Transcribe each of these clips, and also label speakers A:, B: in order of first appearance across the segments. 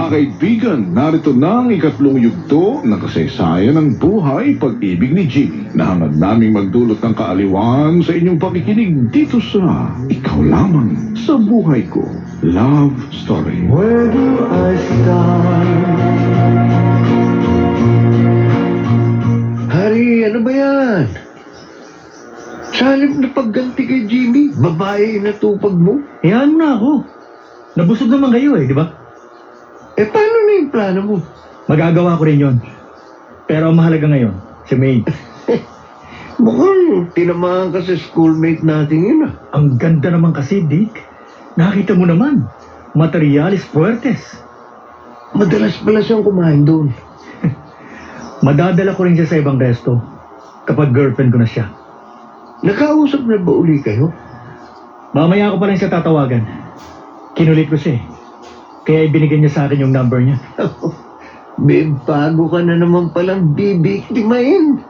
A: Mga kaibigan, narito na ang ikatlong yugto ng kasaysayan ng buhay pag-ibig ni Jimmy na hangad naming magdulot ng kaaliwan sa inyong pakikinig dito sa Ikaw Lamang sa Buhay Ko Love Story.
B: Where do I start? Hari, ano ba yan? Sa halip na pagganti kay Jimmy, babae na tupag mo.
C: Hayaan mo na ako. Nabusog naman kayo di ba?
B: Paano na yung plano mo?
C: Magagawa ko rin yon. Pero ang mahalaga ngayon, si May.
B: Mukhang tinamaan ka sa schoolmate natin yun
C: Ang ganda naman kasi, Dick. Nakita mo naman. Materialis fuertes.
B: Madalas pala siyang kumain doon.
C: Madadala ko rin siya sa ibang resto kapag girlfriend ko na siya.
B: Nakausap na ba uli kayo?
C: Mamaya ko pa rin siya tatawagan. Kinulit ko siya Kaya ibinigay niya sa akin yung number niya.
B: Babe, bago ka na naman palang bibiktimahin.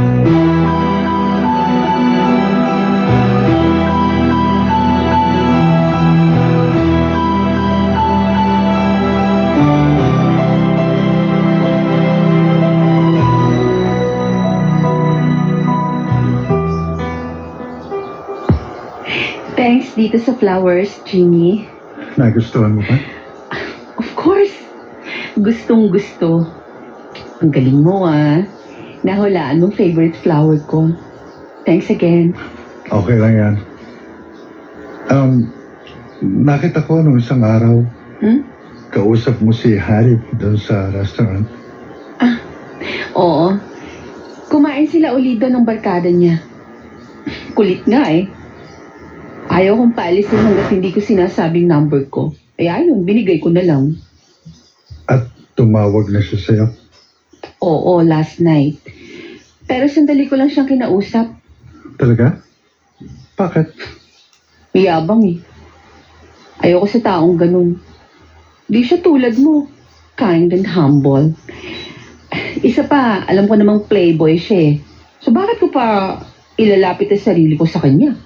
D: Thanks dito sa flowers, Jimmy.
A: Nagustuhan mo ba?
D: Of course. Gustong-gusto. Ang galing mo, Nahulaan mong favorite flower ko. Thanks again.
E: Okay lang yan. Nakita ko nung isang araw, kausap mo si Harry doon sa restaurant.
D: Oo. Kumain sila uli doon ng barkada niya. Kulit nga Ayaw kong paalisin hanggat hindi ko sinasabing number ko. Ayun, binigay ko na lang.
E: At tumawag na siya sa'yo.
D: Oo, last night. Pero sandali ko lang siyang kinausap.
E: Talaga? Bakit?
D: Mayabang Ayoko sa taong ganun. Di siya tulad mo. Kind and humble. Isa pa, alam ko namang playboy siya So bakit ko pa ilalapit ang sarili ko sa kanya?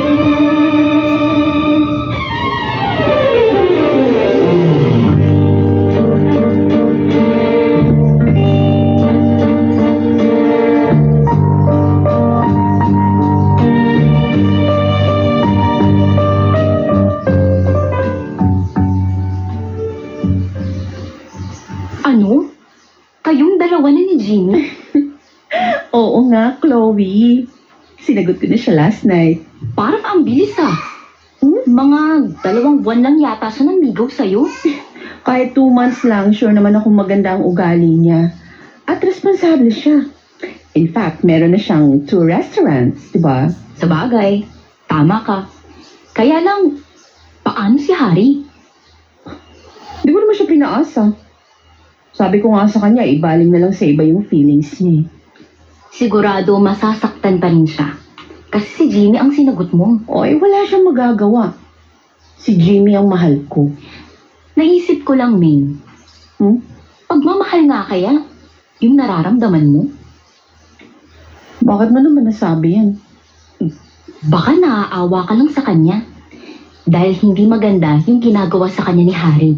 F: Ano? Kayong dalawa na ni Jimmy?
D: Oo nga, Chloe. Sinagot ko na siya last night.
F: Parang ang bilis Mga 2 buwan lang yata siya namigaw sa'yo.
D: Kahit 2 months lang, sure naman akong maganda ang ugali niya. At responsable siya. In fact, meron na siyang 2 restaurants, di ba?
F: Sabagay, tama ka. Kaya lang, paano si Harry?
D: Di ko naman siya pinaasa. Sabi ko nga sa kanya, ibaling na lang sa iba yung feelings niya.
F: Sigurado masasaktan pa rin siya. Kasi si Jimmy ang sinagot mo.
D: Wala siyang magagawa. Si Jimmy ang mahal ko.
F: Naisip ko lang, Ming. Pagmamahal nga kaya, yung nararamdaman mo?
D: Bakit mo naman nasabi yan?
F: Baka naaawa ka lang sa kanya. Dahil hindi maganda yung ginagawa sa kanya ni Harry.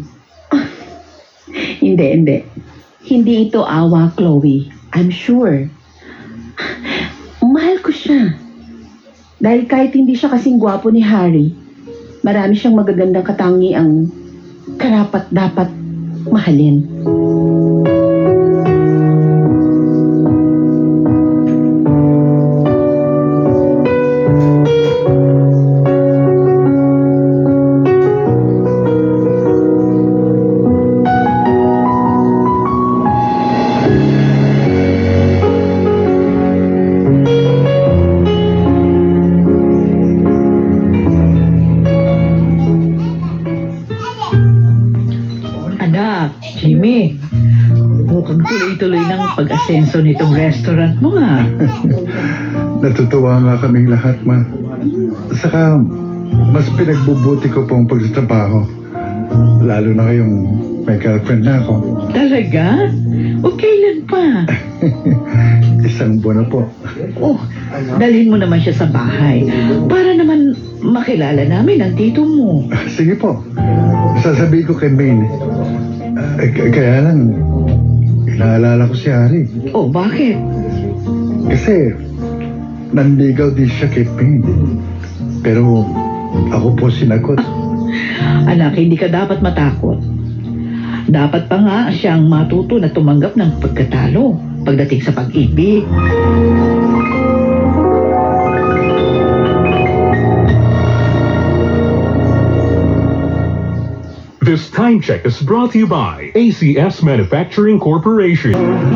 D: Hindi. Hindi ito awa, Chloe. I'm sure. Mahal ko siya. Dahil kahit hindi siya kasing gwapo ni Harry, marami siyang magagandang katangiang karapat dapat mahalin.
C: Jimmy, mukhang tuloy-tuloy ng pag-asenso nitong restaurant mo
E: Natutuwa nga kaming lahat, ma. Saka, mas pinagbubuti ko pong pagtatrabaho. Lalo na kayong may girlfriend na ako.
C: Talaga? O kailan pa?
E: 1 buwan na po.
C: Dalhin mo naman siya sa bahay para naman makilala namin ang tito mo.
E: Sige po. Sasabihin ko kay Maine. Kaya lang, inaalala ko si Hari.
D: Oh, bakit?
E: Kasi, nanligaw din siya kay Payne. Pero, ako po sinagot.
G: Anak, hindi ka dapat matakot. Dapat pa nga siyang matuto na tumanggap ng pagkatalo pagdating sa pag-ibig.
H: This time check is brought to you by ACS Manufacturing Corporation.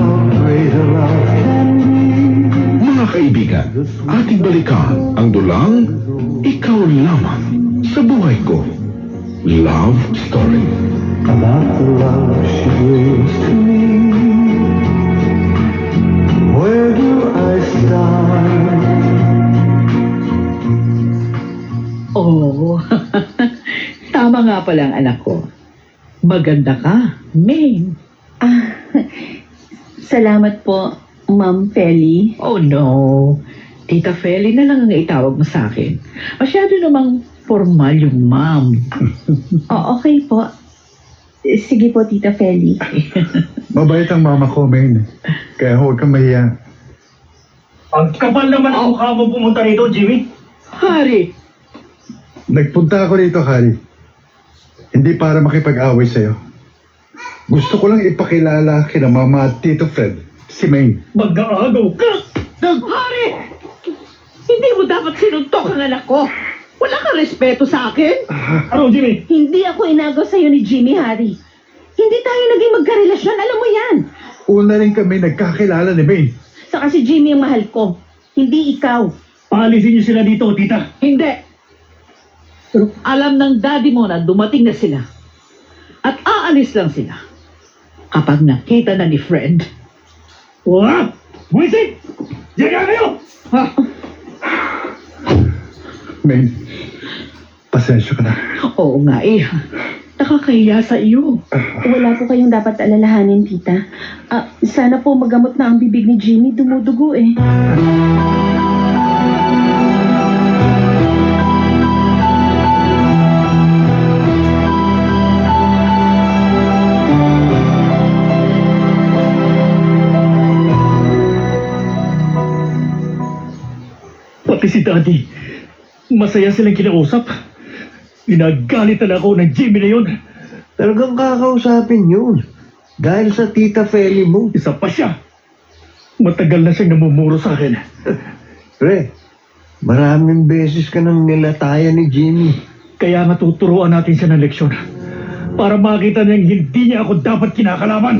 A: Mga kaibigan, ating balikan ang dulang Ikaw Lamang sa Buhay Ko. Love Story.
B: About the love she brings to me. Where do I start?
G: Oh, tama nga pala ang anak ko. Maganda ka, Maine.
F: Salamat po, Ma'am Feli.
G: Oh no, Tita Feli na lang ang itawag mo sa akin. Masyado namang formal yung ma'am.
F: Okay po. Sige po, Tita Feli.
E: Mabait ang mama ko, Maine. Kaya huwag kang mahiya.
C: Ang kapal naman ang mukha mo pumunta rito, Jimmy.
G: Hari,
E: Nagpunta ako rito, Hari. Hindi para makipag-away sa'yo. Gusto ko lang ipakilala kina Mama at Tito Fred, si Maine.
C: Mag-aagaw ka.
G: Hari! Hindi mo dapat sinuntok ang anak ko. Wala kang respeto sa akin.
C: Ano, Jimmy?
F: Hindi ako inagaw sa'yo ni Jimmy, Harry. Hindi tayo naging magkarelasyon, alam mo yan.
E: Una rin kami nagkakilala ni Maine.
F: Saka si Jimmy ang mahal ko, hindi ikaw.
C: Paalisin niyo sila dito, tita.
G: Hindi. Alam ng daddy mo na dumating na sila. At aalis lang sila. Kapag nakita na ni Fred.
C: Wah! Buwisit! Diyan ka kayo!
G: Ha?
E: Maine, pasensya ka na.
G: Oo nga eh. Nakakahiya sa iyo.
F: Wala po kayong dapat alalahanin, tita. Sana po magamot na ang bibig ni Jimmy, dumudugo eh.
C: Pati si Daddy. Masaya silang kinausap. Ginagalitan ako ng Jimmy na yun.
B: Talagang kakausapin yun. Dahil sa Tita Feli mo.
C: Isa pa siya. Matagal na siyang namumuro sa akin.
B: Pre, maraming beses ka nang nilatayan ni Jimmy.
C: Kaya nga tuturuan natin siya ng leksyon. Para makita niyang hindi niya ako dapat kinakalaban.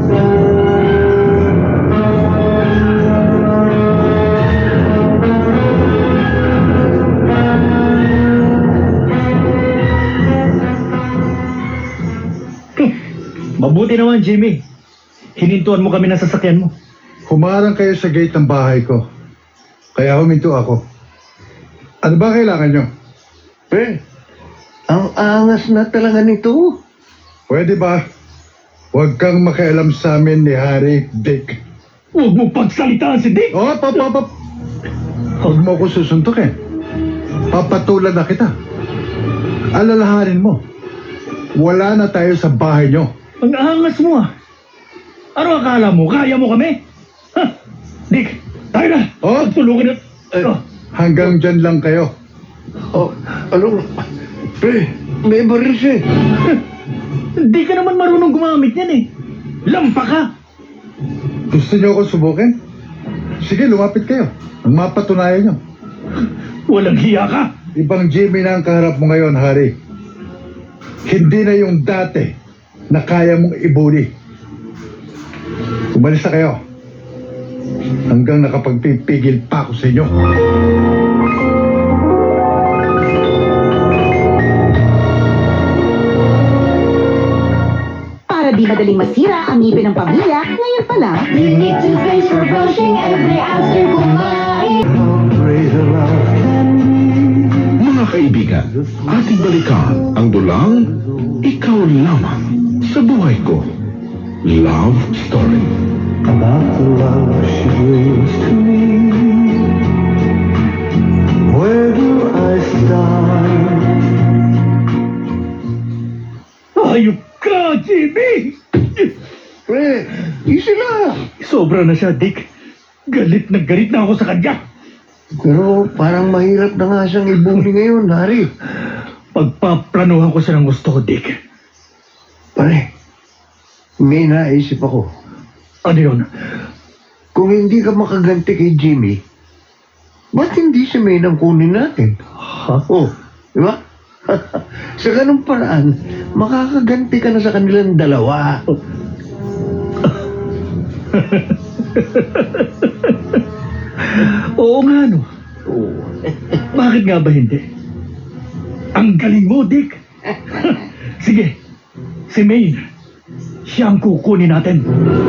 C: Mabuti naman, Jimmy. Hinintuan mo kami ng sasakyan mo.
E: Humarang kayo sa gate ng bahay ko. Kaya huminto ako. Ano ba kailangan nyo?
B: Pre, ang angas na talaga nito.
E: Pwede ba? Huwag kang makialam sa amin ni Harry, Dick.
C: Huwag mo pagsalitaan si Dick!
E: Oh, Huwag mo ko susuntukin. Papatulan na kita. Alalahanin mo. Wala na tayo sa bahay nyo.
C: Ang angas mo ah. Ano akala mo? Kaya mo kami? Ha? Dick, tayo na!
E: Oh?
C: Tulungan na! Oh.
E: Hanggang dyan lang kayo.
B: Oh, ano? Pre, may baril siya eh.
C: Hindi ka naman marunong gumamit yan eh. Lampa ka!
E: Gusto nyo ako subukin? Sige, lumapit kayo. Ang mapatunayan nyo.
C: Walang hiya ka!
E: Ibang Jimmy na ang kaharap mo ngayon, Harry. Hindi na yung dati na kaya mong ibuli. Umalis na kayo. Hanggang nakapagpipigil pa ako sa inyo.
F: Para di madaling masira ang ngipin ng pamilya, ngayon pa lang, you need toothpaste for brushing every after kumain.
A: Mga kaibigan, ating balikan ang dulang Ikaw Lamang sa Buhay Ko. Love Story.
B: About the love she brings to me. Where do I start?
C: Ayok ka, Jimmy!
B: Pre, easy lang.
C: Sobra na siya, Dick. Galit na ako sa kanya.
B: Pero parang mahirap na nga siyang ibuli ngayon, Hari.
C: Pagpaplanuhan ko siya ng gusto ko, Dick.
B: Pare, may naisip ako.
C: Ano yun?
B: Kung hindi ka makaganti kay Jimmy, ba't hindi si May nang kunin natin?
C: Ha?
B: Oh, di ba? Sa ganung paraan, makakaganti ka na sa kanilang dalawa.
C: Oo nga, no. Bakit nga ba hindi? Ang galing mo, Dick. Sige, si Maine. Siya ang kukunin natin.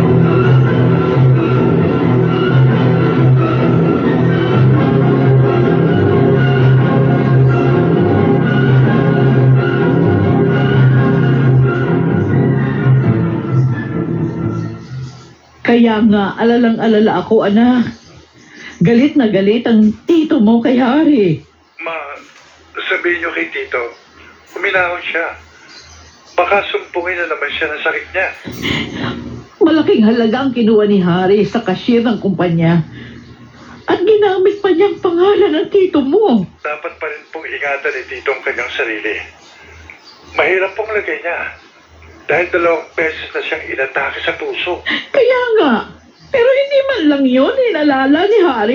G: Kaya nga, alalang-alala ako, anak. Galit na galit ang tito mo kay Hari.
E: Ma, sabihin niyo kay Tito, huminahon siya. Baka sumpungin na naman siya ng sakit niya.
G: Malaking halaga ang kinuha ni Hari sa cashier ng kumpanya. At ginamit pa niyang pangalan ng tito mo.
E: Dapat pa rin pong ingatan ni Tito ang kanyang sarili. Mahirap pong lagay niya. Dahil 2 beses na siyang inatake sa puso.
G: Kaya nga, pero hindi man lang yun inalala ni Hari.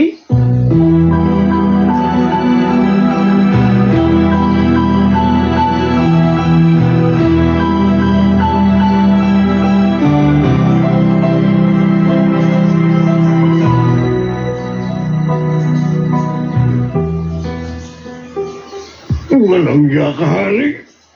B: Walang iya ka, Hari.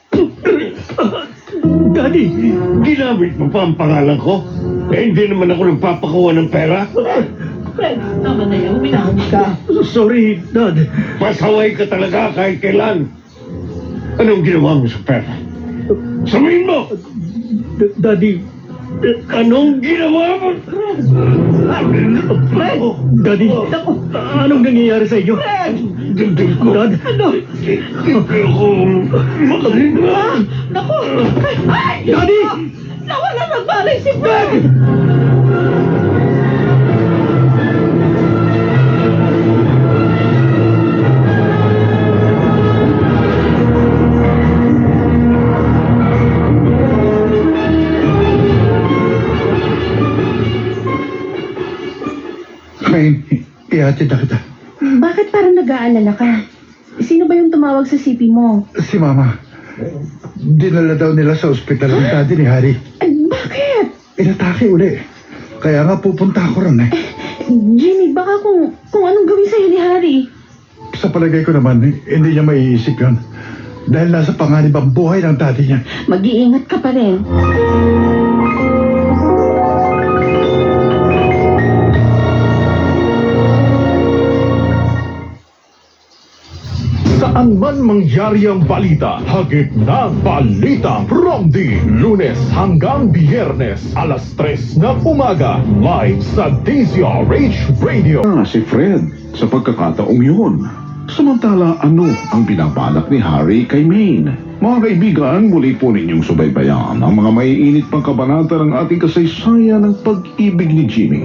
C: Daddy!
B: Ginamit mo pa ang pangalan ko? Eh, hindi naman ako nagpapakuha ng pera.
G: Fred, tama na yan. Uminahon ka.
C: Sorry, Dad.
B: Pasaway ka talaga kahit kailan. Anong ginawa mo sa pera? Sabihin mo!
C: Daddy,
B: Anong ginawa mo?
G: Fred!
C: Daddy, anong nangyayari sa inyo?
B: Dugdug ko.
C: Dad?
G: Ano?
B: Hindi ako makahinga.
G: Naku! Ay!
C: Daddy!
G: Nawala ng balay si Fred!
E: Maine, ihatid na kita.
I: Bakit parang nag-aalala ka? Sino ba yung tumawag sa CP mo?
E: Si Mama. Dinala daw nila sa ospital ang daddy ni Harry.
I: Bakit?
E: Inatake uli. Kaya nga pupunta ako ron eh.
I: Jimmy, baka kung anong gawin sa'yo ni Harry.
E: Sa palagay ko naman, hindi niya maiisip yun. Dahil nasa panganib ang buhay ng daddy niya.
I: Mag-iingat ka pa rin.
H: Saan man mangyari ang balita, hagip na balita from the Lunes hanggang Biyernes, alas 3 ng umaga, live sa DZRH Radio.
A: Si Fred sa pagkakataong yun. Samantala, ano ang binabalak ni Harry kay Maine? Mga kaibigan, muli po ninyong subaybayan ang mga maiinit pang kabanata ng ating kasaysayan ng pag-ibig ni Jimmy.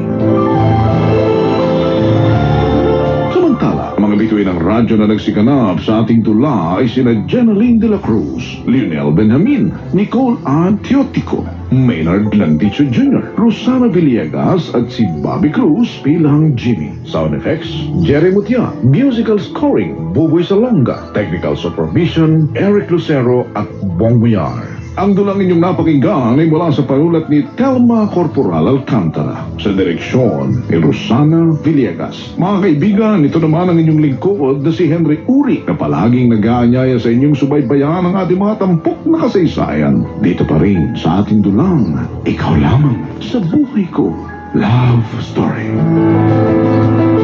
A: Samantala, mga bituin ng radyo na nagsikanap sa ating tula ay sina Jenaline de la Cruz, Lionel Benjamin, Nicole A. Teotico, Maynard Landicho Jr., Rosana Villegas at si Bobby Cruz bilang Jimmy. Sound effects, Jerry Mutia. Musical scoring, Buboy Salonga. Technical supervision, Eric Lucero at Bong Villar. Ang dulang inyong napakinggan ay mula sa panulat ni Telma Corporal Alcantara sa direksyon ni Rosana Villegas. Mga kaibigan, ito naman ang inyong lingkod na si Henry Uri na palaging nag-aanyaya sa inyong subaybayan ang ating mga tampok na kasaysayan. Dito pa rin sa ating dulang, ikaw lamang sa buhay ko. Love Story.